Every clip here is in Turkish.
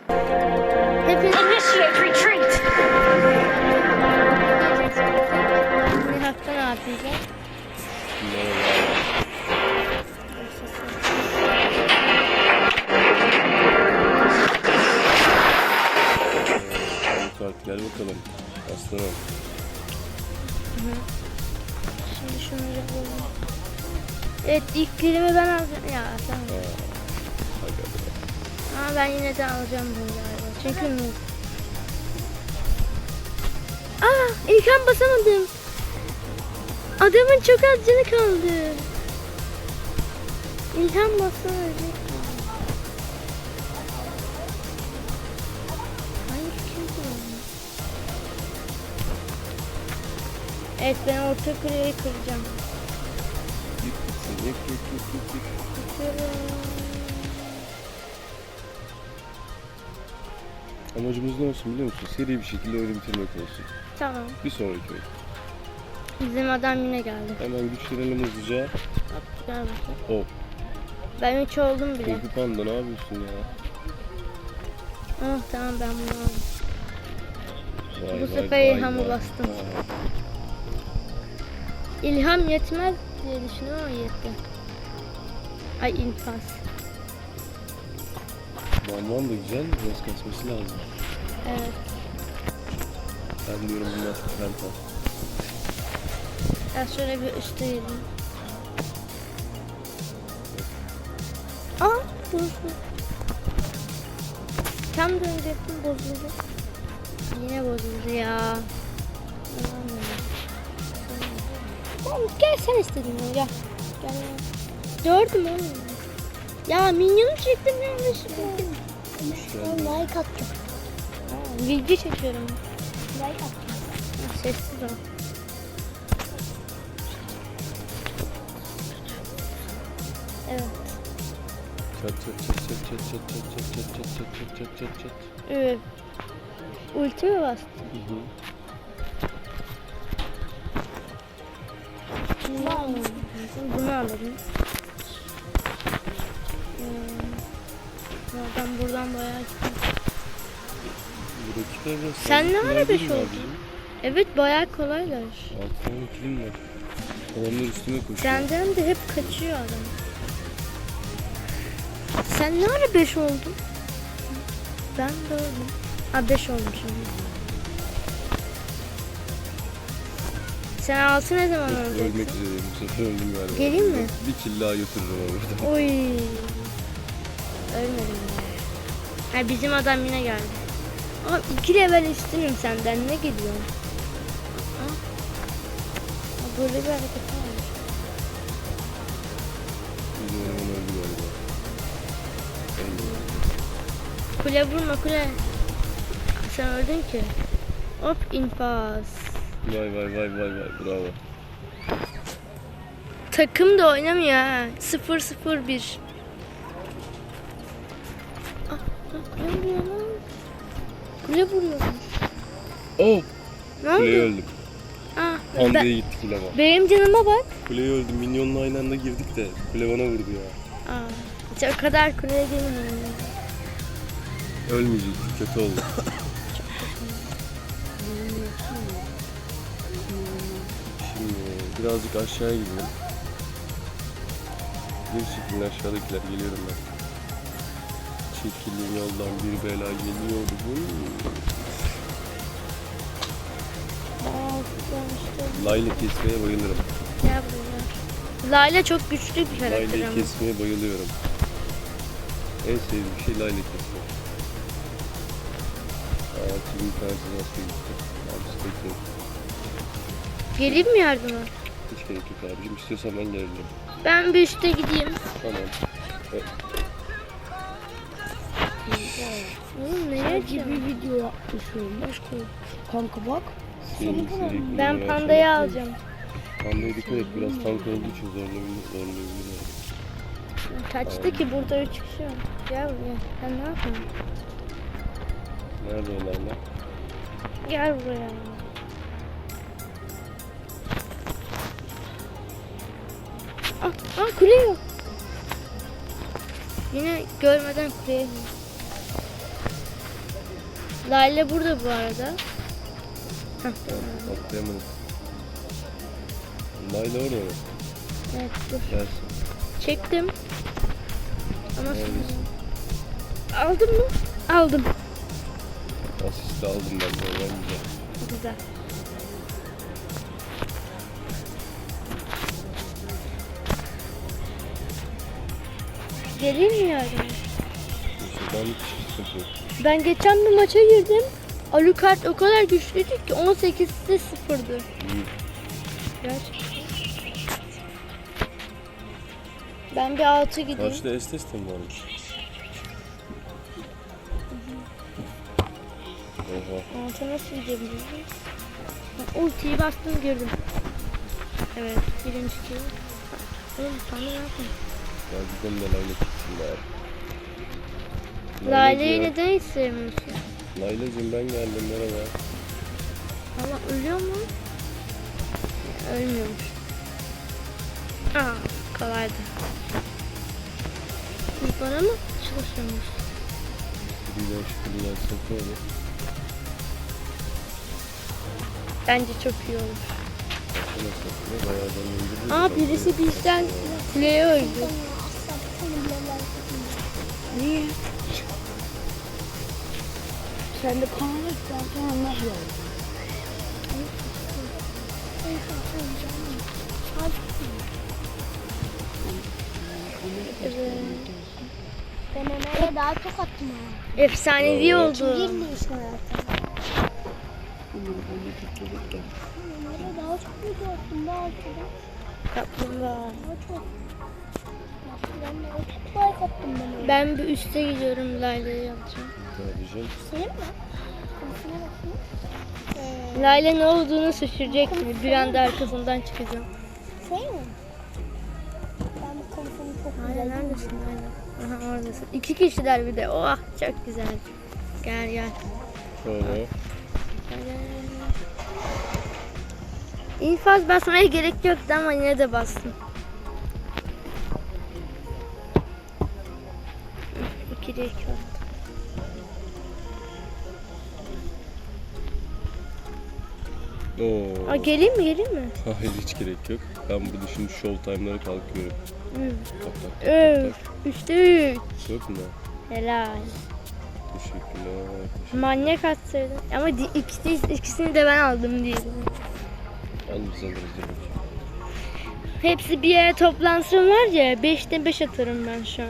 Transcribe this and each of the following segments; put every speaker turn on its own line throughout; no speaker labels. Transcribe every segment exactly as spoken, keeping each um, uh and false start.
Hepiniz
Initiate retreat.
ne hafta ne yapacağız?
Kart gel bakalım. Aslanım.
Şimdi şunu yapalım. Evet, ilk kilimi ben alacağım. Ya tamam. Ama ben yine de alacağım bunu galiba. Çünkü Aa, İlkan basamadım. Adamın çok az canı kaldı. İlhan bassa ölecek. Hayır, kim bu? Evet, ben orta kuleyi kıracağım.
Yık gitsin. Yık yık yık yık yık.
Kırıyorum.
Amacımız ne olsun biliyor musun? Seri bir şekilde oyunu bitirmek olsun.
Tamam.
Bir sonraki oyun.
Bizim adam yine geldi.
Hemen güçlenelim hızlıca.
Bak, gel bakayım.
Hop.
Ben üç oldum bile.
Korku Panda ne yapıyorsun ya?
Oh tamam, ben bunu aldım.
Vay,
Bu
vay,
sefer
vay,
İlham'ı
vay.
bastım.
Vay.
İlham yetmez diye düşünüyorum ama yetti. Ay, infaz.
Bamban da güzel. Biraz kasması lazım.
Evet.
Ben diyorum bunlar penta.
Ben şöyle bir üstte yedim. Aa, bozuldu. Tam dönecektim, bozuldu. Yine bozuldu ya. Tamam, gel sen istedin ya, gel. Gel ya. Gördüm oğlum. Ya minyonu çektim yanlışlıkla.
Güzel.
Like attım. Aa, video çekiyorum. Like attım. Sessiz ol. Evet.
Çat çat çat çat çat çat çat çat çat çat çat çat çat çat.
Evet. Ulti mi bastı?
Hı hı.
Bunu alalım. Hmm. Oradan buradan bayağı gittim.
Bu rakipler biraz
Sen
fazla
ne
kolay
ara
değil
beş
mi
oldun?
abicim?
Evet, bayağı kolaylar.
Altı tane kilim var. Adamlar üstüme koşuyor.
Senden de hep kaçıyor adam. Sen ne ara beş oldun? Ben de oldum. Ha, beş olmuşum. Sen altı ne zaman
Ölmek
olacaksın?
üzereyim. Bu sefer öldüm galiba.
Geleyim mi?
Bir kill daha götürürüm orada.
Oy. Ölmedim ya. Ha, bizim adam yine geldi. Ama iki level üstünüm senden, ne gidiyorsun? Aa. Aa, böyle bir hareket var.
Bizim eleman öldü galiba. Öldü.
Kule vurma, kule. Sen öldün ki. Hop, infaz.
Vay vay vay vay vay bravo.
Takım da oynamıyor ha. sıfır sıfır bir. Ah, ah, kule vuruyor lan. Kule vuruyor.
Oh!
Ne
Kuleye
oldu?
öldüm.
Ah,
Panda'ya
ben,
gitti kule ama.
benim canıma bak.
Kuleye öldüm. Minyonla aynı anda girdik de kule bana vurdu ya.
Aa, hiç o kadar kuleye girmiyorum.
Ölmeyecektik. Kötü oldu. Şimdi birazcık aşağıya gidelim. Bir şekilde aşağıdakiler geliyorum ben. Çekilin yoldan bir bela geliyor bugün. Layla kesmeye bayılırım.
Ya bunlar. Layla çok güçlü bir karakter
Layla'yı
ama.
kesmeye bayılıyorum. En sevdiğim şey Layla kesmek. Aa, şimdi bir tanesi nasıl gitti? Abi bekleyin.
Geleyim mi yardıma?
Hiç gerek yok abicim. İstiyorsan ben gelebilirim.
Ben bir üstte gideyim.
Tamam. Evet.
Oğlum nereye
gibi
açıyorsun?
video yapmışım. Başka kanka bak.
Seri, seri
Ben
kullanmaya
pandayı
çalışıyorum.
alacağım.
Pandaya dikkat et. Biraz tank olduğu için zorlayabilir. Zorlayabilir.
Kaçtı ki, burada üç kişi var. Gel buraya. Sen ne yapıyorsun?
Nerede o Layla?
Gel buraya. Ah, ah, kule yok. Yine görmeden kuleye. Lale burada bu arada. Heh,
Atlayamadım. Layla orada mı?
evet dur.
Gelsin.
Çektim. Ama
Neredesin?
aldın mı? Aldım.
Asist aldım ben de. Ben güzel.
Güzel. Geleyim mi yardım?
Şuradan hiç sıkıntı yok.
Ben geçen bir maça girdim. Alucard o kadar güçlüydü ki on sekizde sıfırdı.
İyi.
Gerçekten. Ben bir altı gideyim.
Karşıda Estes de mi varmış? Oha.
Altı nasıl gidebiliriz? Ha, ultiyi bastım girdim. Evet birinci kill. Oğlum sana ne yapayım?
Ya gidelim de Layla tutsun bari.
Lale'yi
Laylacığım.
neden hiç sevmiyorsun?
Laylacığım ben geldim merhaba.
Ama ölüyor mu? Ölmüyormuş. Aa kolaydı. Bu bana mı çalışıyormuş?
Şurayla şurayla satıyor.
Bence çok iyi olur.
Şuna satıyor. Bayağı da indirdi.
Aa birisi bizden kuleye öldü. Niye?
Sen de kanal zaten anlamıyorum.
Evet.
Ben Ömer'e daha çok attım ha.
Efsanevi oldu.
Girdi işte hayatım. Ömer'e daha çok video attım daha çok.
Kaplumbağa.
Daha çok. Ben de çok like attım ben.
Ben bir üste gidiyorum Layla'yı yapacağım.
Kardeşim.
Senin mi? Kafasına bakayım. Ee,
Layla ne olduğunu şaşıracak mı? Bir anda arkasından çıkacağım.
şey mi? Ben bu kafamı çok
Layla
güzel.
neredesin Layla? Aha oradasın. İki kişiler bir de. Oh çok güzel. Gel gel.
Şöyle.
İnfaz basmaya gerek yoktu ama yine de bastım. İkide iki oldu.
Oo.
Aa, geleyim mi geleyim mi?
Hayır hiç gerek yok. Ben burada şimdi show time'lara kalkıyorum.
Hı.
Tak tak tak tak
Üç.
tak.
Üçte üç.
Yok mu?
Helal.
Teşekkürler.
Manyak atsaydın. Ama di- ikisi, ikisini de ben aldım diyelim.
Al biz alırız canım.
Hepsi bir yere toplansın var ya. Beşte beş atarım ben şu an.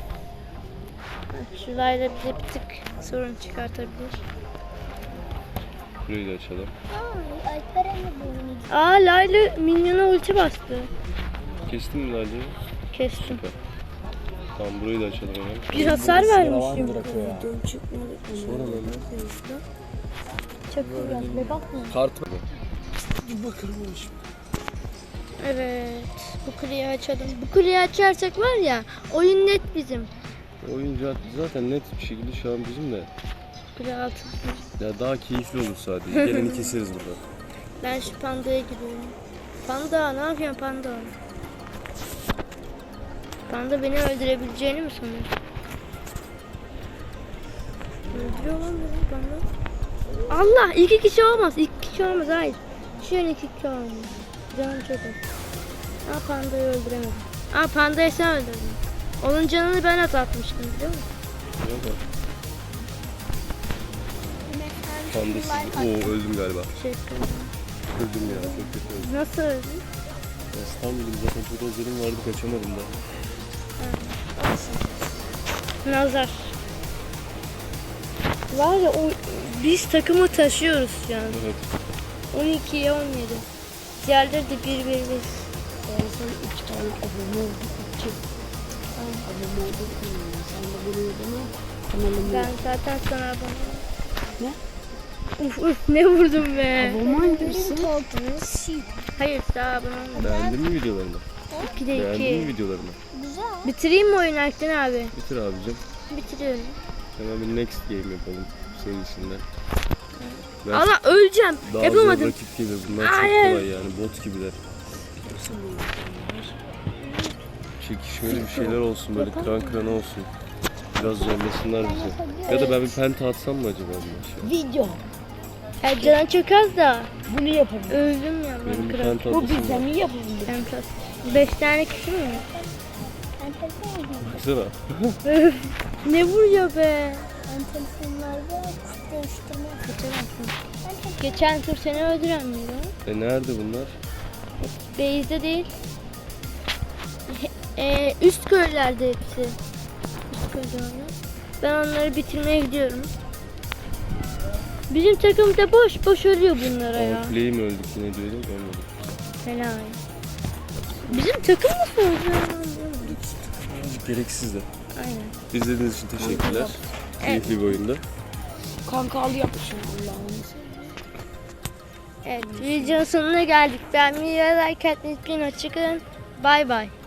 Bak, şulayla bize bir tık sorun çıkartabilir.
Burayı da açalım.
Aa, Alperen'le bu
Aa Layla minyona ulti bastı.
Kestin mi Lale'yi?
Kestim.
Süper. Tamam burayı da açalım hemen.
Bir hasar vermişim.
Sonra ne?
Çok iyi.
Ve bakma.
Kart.
Evet. Bu kuleyi açalım. Bu kuleyi açarsak var ya oyun net bizim.
Oyuncu zaten net bir şekilde şu an bizim de.
Kule altı.
Ya daha keyifli olur sadece. Geleni keseriz burada.
Ben şu pandaya gidiyorum. Panda ne yapıyorsun panda? Panda beni öldürebileceğini mi sanıyorsun? Öldürüyor lan beni panda. Allah iki kişi olmaz. İki kişi olmaz hayır. Şu an iki kişi olmaz. Canım çok az. Aa pandayı öldüremedim. Aa pandayı sen öldürdün. Onun canını ben azaltmıştım biliyor musun?
Yok mu? Pandasız. Oo öldüm galiba.
Teşekkür ederim.
Öldüm ya çok kötü öldüm.
Nasıl öldün?
İstanbul'um zaten çok özlerim vardı kaçamadım da.
Nazar. Var ya o, biz takımı taşıyoruz şu an.
Evet.
on ikiye on yedi. Diğerleri de bir bir bir.
Yani sen iki tane abone oldun. İki. Abone oldun. Sen de bunu yedin. Kanalımı
Ben zaten sana abone.
Ne?
Uf uf ne vurdum be.
abone misin?
Hayır daha abone olmadım.
Beğendin mi videolarını?
ikide
Beğendin mi
iki.
videolarını?
Güzel.
Bitireyim mi oyunu Akden abi?
Bitir abicim.
Bitiriyorum.
Hemen bir next game yapalım senin için de. Ben
Allah öleceğim.
daha
Yapamadım.
zor rakip gibi. Bunlar çok
Hayır.
kolay yani. Bot gibiler. Çekişmeli bir şeyler olsun. Böyle kıran kırana olsun. Biraz zorlasınlar bizi. Ya da ben bir penta atsam mı acaba bunun aşağı?
Video.
Ya canın çok az da.
Bunu yapalım.
Öldüm ya
Benim
ben
bir
kral.
penta
Bu
atasım
bize
var.
mi yapabilir?
Ben kral. Beş tane kişi mi?
Ben telefon
Baksana.
Ne vuruyor be?
Ben telefonlarda kuş dönüştürme yapacağım.
Geçen tur seni öldüren miydi o?
E nerede bunlar?
Beyzde değil. He- e, üst köylerde hepsi. Üst köylerde. Ben onları bitirmeye gidiyorum. Bizim takım da boş boş ölüyor bunlara ya.
Outplay mi öldük ne diyorduk ölmedik.
Fena. Bizim takım nasıl öldü?
Gereksiz de.
Aynen.
İzlediğiniz için teşekkürler. Keyifli bir oyundu.
Kankalı yapmışım Allah'ım.
Evet, videonun sonuna geldik. Ben videoya like atmayı unutmayın. Hoşçakalın. Bay bay.